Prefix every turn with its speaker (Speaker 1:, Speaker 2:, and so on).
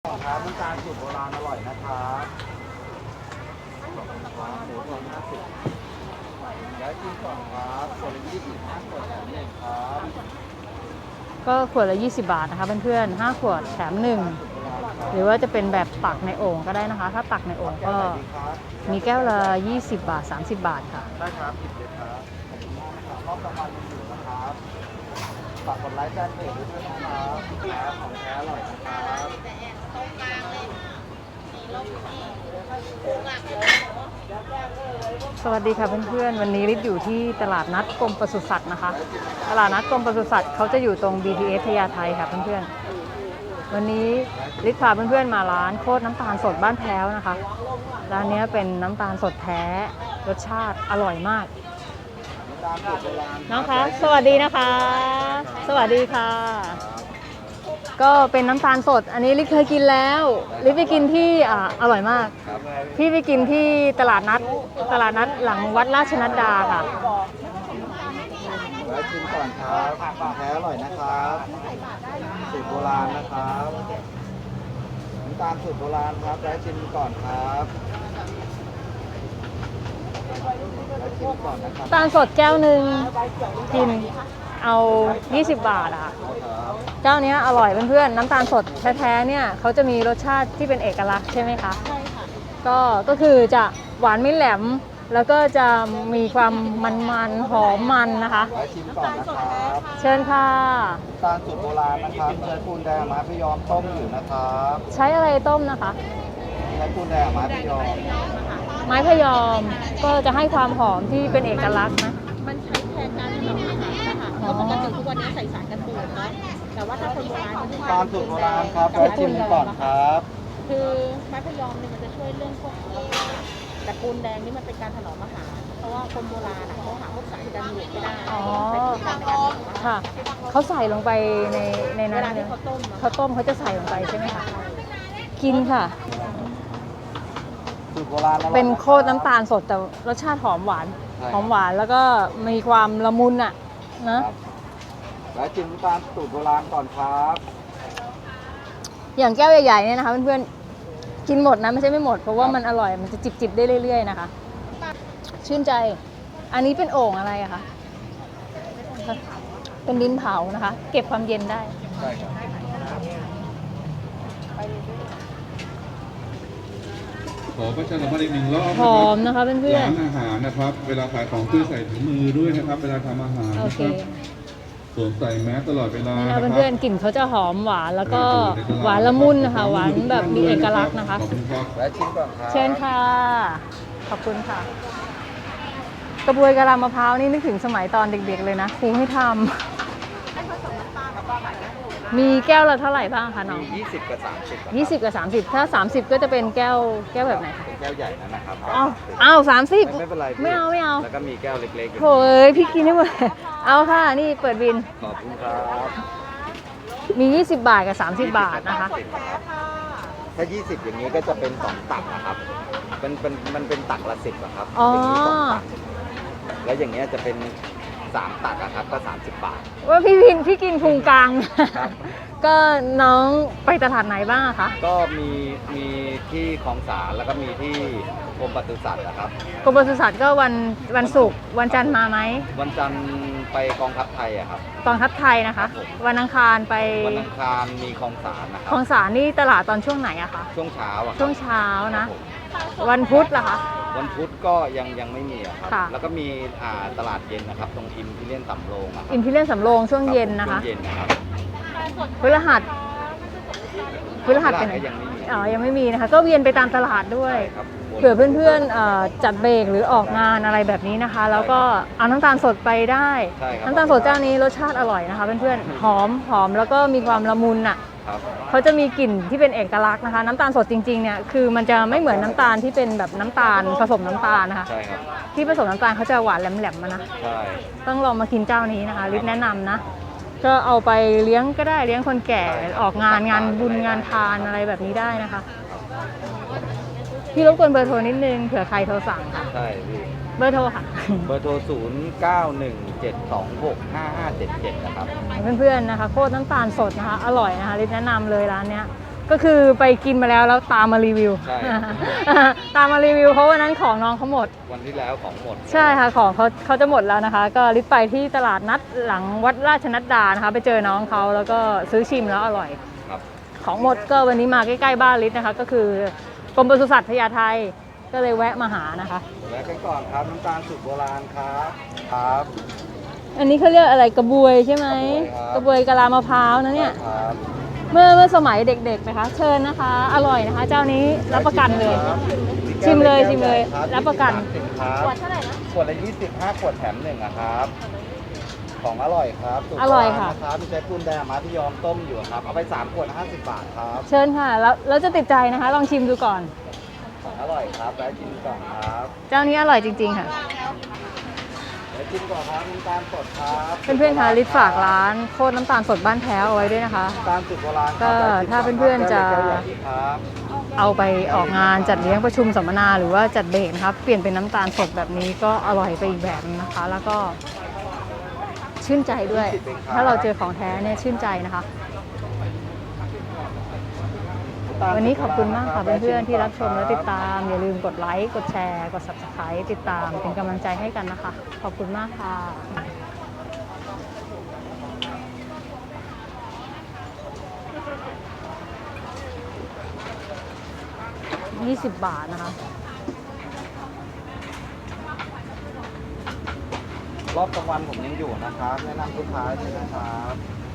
Speaker 1: ครับน้ำตาลสูตรโบราณอร่อยนะครับหมูทอด50แล้วกินก่อนครับคนละ20 5 ขวดแถม1ครับ
Speaker 2: ก็ขวดละ20 บาทนะคะเพื่อนๆ5 ขวดแถม1หรือว่าจะเป็นแบบตักในโอ่งก็ได้นะคะถ้าตักในโอ่งก็มีแก้วละ20 บาท30 บาทค่ะ
Speaker 1: ได้ครับ10เลยครับขอบคุณมากนะครับรอบต่อไปยังอยู่นะครับฝากกดไลค์แจ้งเพจด้วยนะครับครับของแท้อร่อยนะครับ
Speaker 2: สวัสดีค่ะเพื่อนๆวันนี้ลิศอยู่ที่ตลาดนัดกรมปศุสัตว์นะคะตลาดนัดกรมปศุสัตว์เขาจะอยู่ตรง BTS พญาไทค่ะเพื่อนๆวันนี้ลิศพาเพื่อนๆมาร้านโคตรน้ำตาลสดบ้านแพ้วนะคะร้านนี้เป็นน้ำตาลสดแท้รสชาติอร่อยมากน้องคะสวัสดีนะคะ สวัสดีค่ะ ก็เป็นน้ำตาลสดอันนี้ลิศเคยกินแล้วลิศไปกินที่อร่อยมากพี่ไปกินที่ตลาดนัดหลังวัดราชนัดดาค่ะ
Speaker 1: แล้วชิมก่อนครับของแท้อร่อยนะครับสูตรโบราณนะครับน้ำตาลสูตรโบราณครับแล้วชิมก่อนครับแล้วชิมก่อนนะครับ
Speaker 2: น้ำตาลสดแก้วหนึ่งกินเอา20 บาทอะเจ้านี้อร่อยเพื่อนๆน้ำตาลสดแท้ๆเนี่ยเขาจะมีรสชาติที่เป็นเอกลักษณ์ใช่ไหมคะใช่ค่ะก็คือจะหวานไม่แหลมแล้วก็จะมีความมันๆหอมมันนะคะ
Speaker 1: ชิมก่อนนะครับ
Speaker 2: เชิญค่ะ
Speaker 1: น้ำตาลสูตรโบราณนะครับใช้ปูนแดงมาพยอมต้มอยู่นะครับ
Speaker 2: ใช้อะไรต้มนะคะ
Speaker 1: ใช้ปูนแดงมาพยอม
Speaker 2: ไม้พยอมก็จะให้ความหอมที่เป็นเอกลักษณ์นะ
Speaker 3: มันใช้แทนการถนอมอาหารนะคะเพราะปกติทุกวันนี้ใส่สารกันบูดเนาะแต่ว่าถ้าคนโบราณมันจะ
Speaker 1: ตาลสูตรโบราณครับแล้วชิมก่อนครับ
Speaker 3: คือไม้พยอมเนี่ยมันจะช่วยเรื่องพวกแต่ปูนแดงนี่มันเป็นการถนอมอาหารเพราะว่าคนโบราณเขาหาพวกสารกันบูดไม่ได้ใส่ปูนแดงในการถนอมอาหาร
Speaker 2: ค่ะเขาใส่ลงไปในนั้น
Speaker 3: เวลาที่เขาต้ม
Speaker 2: เขาจะใส่ลงไปใช่ไหมคะกินค่ะ
Speaker 1: สูตรโบราณ
Speaker 2: เป็นโคตรน้ำตาลสดแต่รสชาติหอมหวานแล้วก็มีความละมุนอ่ะนะ
Speaker 1: แล้วชิมน้ำตาลสูตรโบราณก่อนครับ
Speaker 2: อย่างแก้วใหญ่ๆเนี่ยนะคะเพื่อนๆกินหมดนะไม่ใช่ไม่หมดเพราะว่ามันอร่อยมันจะจิบได้เรื่อยๆนะคะชื่นใจอันนี้เป็นโอ่งอะไรอะคะเป็นดินเผานะคะเก็บความเย็นได้
Speaker 1: ใช่ครับ
Speaker 4: ขอประชาสัมพันธ์อีก1 รอบ
Speaker 2: หอมนะคะเพื่อนๆ
Speaker 4: ร้านอาหารนะครับเวลาขายของช่วยใส่ถุงมือด้วยนะครับเวลาทำอาหารนะครับสวมใส่แมสตลอดเวลา
Speaker 2: นะครับเพื่อนๆกลิ่นเขาจะหอมหวานแล้วก็หวานละมุนนะคะหวานแบบมีเอกลักษณ์นะคะ
Speaker 1: แล้วชิมก่อนครับ
Speaker 2: เชิญค่ะขอบคุณค่ะกระบวยกะลามะพร้าวนี่นึกถึงสมัยตอนเด็กๆเลยนะครูให้ทำมีแก้วละเท่าไหร่บ้างคะน้อง
Speaker 1: 20 กับ 30
Speaker 2: 20 กับ 30ถ้า30ก็จะเป็นแก้วแบบไหนคะ
Speaker 1: เป็นแก้วใหญ่นะครับ
Speaker 2: อ้าว30
Speaker 1: ไม่เป็นไร
Speaker 2: ไม่เอา
Speaker 1: แล้วก็มีแก้วเล็กๆ
Speaker 2: โอ้ยพี่กินได้หมดเอาค่ะนี่เปิดบิน
Speaker 1: ขอบคุณครับ
Speaker 2: มี20 บาทกับ30 บาทนะคะ
Speaker 1: ถ้า20อย่างนี้ก็จะเป็น2 ตักนะครับมันเป็นตักละ10อะครับ
Speaker 2: อ๋อ
Speaker 1: แล้วอย่างเงี้ยจะเป็น3 ตักอะครับก็30 บาท
Speaker 2: ว่าพี่กินพุงกลางก็น้องไปตลาดไหนบ้างคะ
Speaker 1: ก็มีที่คลองสารแล้วก็มีที่กรมปศุสัตว์นะครับ
Speaker 2: กรมปศุสัตว์ก็วันศุกร์วันจันทร์มาไหม
Speaker 1: วันจันทร์ไปกองทัพไทยอะครับ
Speaker 2: กองทัพไทยนะคะวันอังคารไป
Speaker 1: วันอังคารมีคลองสารนะครับ
Speaker 2: คลองสารนี่ตลาดตอนช่วงไหนอะคะ
Speaker 1: ช่วงเช้าอะ
Speaker 2: ช่วงเช้านะวันพุธล่ะคะ
Speaker 1: วันพุธก็ยังไม่มีครับแล้วก็มีตลาดเย็นนะครับตรงอิมพีเรียนสำโรง
Speaker 2: อิมพีเรียนสำโรงช่วงเย็นนะคะพฤหัสเป็นยังไม่มีนะคะก็เวียนไปตามตลาดด้วยเผื่อเพื่อนๆจัดเบรกหรือออกงานอะไรแบบนี้นะคะแล้วก็เอาน้ำตาลสดไปได้น้ำตาลสดเจ้านี้รสชาติอร่อยนะคะเพื่อนๆหอมแล้วก็มีความละมุนอ่ะเขาจะมีกลิ่นที่เป็นเอกลักษณ์นะคะน้ำตาลสดจริงๆเนี่ยคือมันจะไม่เหมือนน้ำตาลที่เป็นแบบน้ำตาลผสมน้ำตาลนะคะที่ผสมน้ำตาลเขาจะหวานแหลมๆมานะต้องลองมากินเจ้านี้นะคะลิศแนะนำนะก็เอาไปเลี้ยงก็ได้เลี้ยงคนแก่ออกงานบุญงานทานอะไรแบบนี้ได้นะคะพี่รบกวนเบอร์โทรนิดนึงเผื่อใครโทรสั่งค่ะ
Speaker 1: ใช่พี่
Speaker 2: เบอร์โทรค่ะ
Speaker 1: เบอร์โทร0917265577นะครับ
Speaker 2: เพื่อนๆนะคะโคตรน้ำตาลสดนะคะอร่อยนะคะลิศแนะนำเลยร้านเนี้ยก็คือไปกินมาแล้วตามมารีวิว
Speaker 1: ใช่
Speaker 2: ตามมารีวิวเพราะวันนั้นของน้องเขาหมด
Speaker 1: วันที่แล้วของหมด
Speaker 2: ใช่ค่ะของเขาจะหมดแล้วนะคะ ก็ลิศไปที่ตลาดนัดหลังวัดราชนัดดานะคะ ไปเจอน้องเขาแล้วก็ซื้อชิมแล้วอร่อย
Speaker 1: ครับ
Speaker 2: ของหมดก็วันนี้มาใกล้ๆบ้านลิศนะคะ ก็คือกรมปศุสัตว์พญาไทก็เลยแวะมาหานะคะ
Speaker 1: และกันก่อนครับน้ำตาลสูตรโบราณครับครับ
Speaker 2: อันนี้เขาเรียกอะไรกระบวยใช่ไหม
Speaker 1: ก
Speaker 2: ก
Speaker 1: ระ
Speaker 2: ระ
Speaker 1: บบ ว
Speaker 2: วย ยกะลามะพร้าวนะเนี่ย
Speaker 1: ครับ
Speaker 2: เมื่อสมัยเด็กๆนะคะ เชิญนะคะ อร่อยนะคะ เจ้านี้รับประกันเลย ชิมเลยชิมเลยรับประกัน
Speaker 1: ขวดเท่าไหร่นะขวดละ25 ขวดแถม1อะครับ ของอร่อยครับสูต
Speaker 2: อร่อยค่ะ
Speaker 1: โบาณนะครับมีใช้ปูนแดงมาที่ยอมต้มอยู่ครับ เอาไป3 ขวด50 บาทครับ
Speaker 2: เชิญค่ะแล้วจะติดใจนะคะ ลองชิมดูก่อน
Speaker 1: ของอร่อยครับแล้วชิมก่อนครับ
Speaker 2: เจ้านี้อร่อยจริงๆค่ะ
Speaker 1: แล้วชิมก่อนครับน้ำตาลสดครับ
Speaker 2: เพื่อนๆคะลิศฝากร้านโคตรน้ำตาลสดบ้านแพ้วเอาไว้ด้วยนะคะ
Speaker 1: น้ำตาลสูตรโบราณครับ
Speaker 2: ก็ถ้าเพื่อนๆจะ
Speaker 1: แก้วใหญ่ครับ
Speaker 2: เอาไปออกงานจัดเลี้ยงประชุมสัมมนาหรือว่าจัดเบรกนะคะเปลี่ยนเป็นน้ำตาลสดแบบนี้ก็อร่อยไปอีกแบบนึงนะคะ แล้วก็ชื่นใจด้วย ถ้าเราเจอของแท้เนี่ยชื่นใจนะคะ วันนี้ขอบคุณมากค่ะเพื่อนๆที่รับชมและติดตาม อย่าลืมกดไลค์กดแชร์กด Subscribe ติดตามเป็นกำลังใจให้กันนะคะ ขอบคุณมากค่ะ 20 บาทนะคะ
Speaker 1: รอบกลางวันผมยังอยู่นะครับ แนะนำลูกค้าด้วยนะครับ